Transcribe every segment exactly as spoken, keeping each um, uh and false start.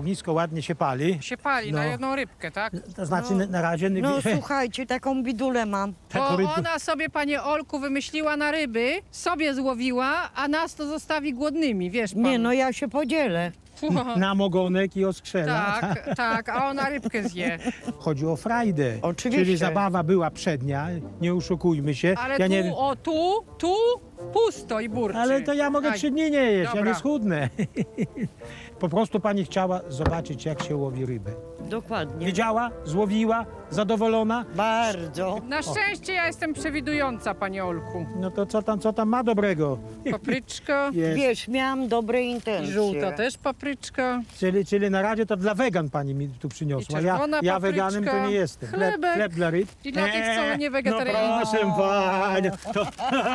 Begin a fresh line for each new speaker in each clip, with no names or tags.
ognisko ładnie się pali.
Się pali
No.
na jedną rybkę, tak?
To znaczy na, na razie...
No słuchajcie, taką bidulę mam.
taką
Bo
rybkę-
ona sobie, panie Olku, wymyśliła na ryby, sobie złowiła, a nas to zostawi głodnymi, wiesz pan.
Nie, no ja się podzielę.
na mogonek i oskrzela.
Tak, tak, a ona rybkę zje.
Chodzi o frajdę.
Oczywiście.
Czyli zabawa była przednia, nie oszukujmy się.
Ale
ja
tu,
nie wiem,
o tu, tu pusto i burczy.
ale to ja mogę
Aj,
trzy dni nie jeść, ja
Dobra.
nie schudnę. Po prostu pani chciała zobaczyć, jak się łowi rybę.
Dokładnie.
Wiedziała, złowiła, zadowolona.
Bardzo.
Na szczęście ja jestem przewidująca, panie Olku.
No to co tam, co tam ma dobrego?
Papryczka
Jest.
Wiesz, miałam dobre
i
intencje.
żółta też papryczka.
Czyli, czyli na razie to dla wegan pani mi tu przyniosła.
I
Ja,
czerwona
ja
papryczka,
weganem to nie jestem. Chleb,
chlebek.
chleb dla ryb.
I dla tych, co nie wegetarianin.
No proszę panią. To...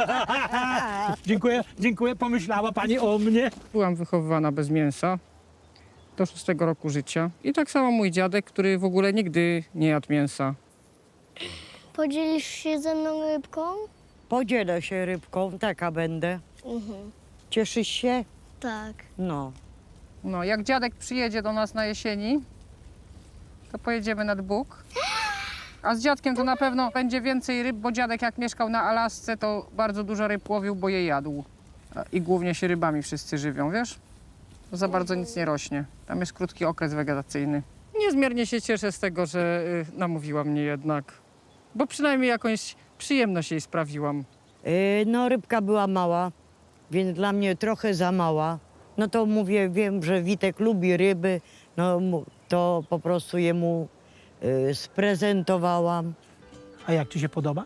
dziękuję, dziękuję. Pomyślała pani o mnie.
Byłam wychowywana bez mięsa do szóstego roku życia. I tak samo mój dziadek, który w ogóle nigdy nie jadł mięsa.
Podzielisz się ze mną rybką?
Podzielę się rybką, taka będę.
Mhm.
Cieszysz się?
Tak.
No.
No, jak dziadek przyjedzie do nas na jesieni, to pojedziemy nad Bóg. A z dziadkiem to na pewno będzie więcej ryb, bo dziadek jak mieszkał na Alasce, to bardzo dużo ryb łowił, bo je jadł. A- I głównie się rybami wszyscy żywią, wiesz? Za bardzo nic nie rośnie. Tam jest krótki okres wegetacyjny. Niezmiernie się cieszę z tego, że y, namówiła mnie jednak. Bo przynajmniej jakąś przyjemność jej sprawiłam.
Yy, no rybka była mała, więc dla mnie trochę za mała. No to mówię, wiem, że Witek lubi ryby, no mu- to po prostu jemu yy, sprezentowałam.
A jak ci się podoba?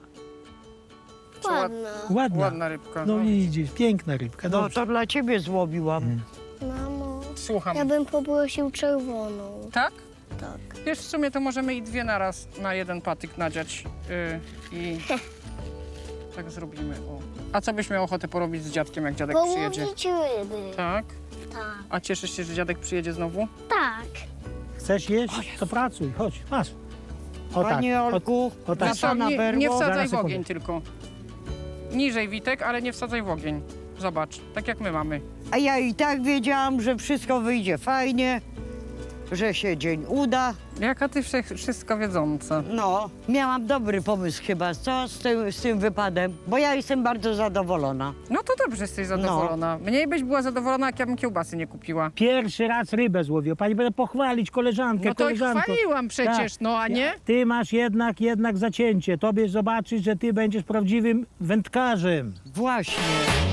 Ładna.
Ładna.
Ładna rybka.
No
No.
widzisz, piękna rybka.
No
Dobrze.
to dla ciebie złowiłam.
Mamo,
Słucham.
ja bym poprosił czerwoną.
Tak?
Tak.
Wiesz, w sumie to możemy i dwie naraz na jeden patyk nadziać yy, i tak zrobimy. O. A co byś miał ochotę porobić z dziadkiem, jak dziadek przyjedzie?
Połowić ryby.
Tak?
Tak.
A cieszysz się, że dziadek przyjedzie znowu?
Tak.
Chcesz jeść? To pracuj, chodź, masz. O
Panie
tak, o,
Olku,
o tak.
na pana
nie,
berło.
nie wsadzaj
Zaraz,
w
sekundę.
ogień tylko. Niżej, Witek, ale nie wsadzaj w ogień. Zobacz, tak jak my mamy.
A ja i tak wiedziałam, że wszystko wyjdzie fajnie, że się dzień uda.
Jaka ty wszech- wszystko wiedząca.
No, miałam dobry pomysł chyba, co z tym, z tym wypadem, bo ja jestem bardzo zadowolona.
No to dobrze, jesteś zadowolona. Mniej byś była zadowolona, jak ja bym kiełbasy nie kupiła.
Pierwszy raz rybę złowił. Pani będę pochwalić koleżankę,
No to i
koleżanko.
chwaliłam przecież,
Tak.
no a nie?
Ty masz jednak, jednak zacięcie. Tobie zobaczyć, że ty będziesz prawdziwym wędkarzem.
Właśnie.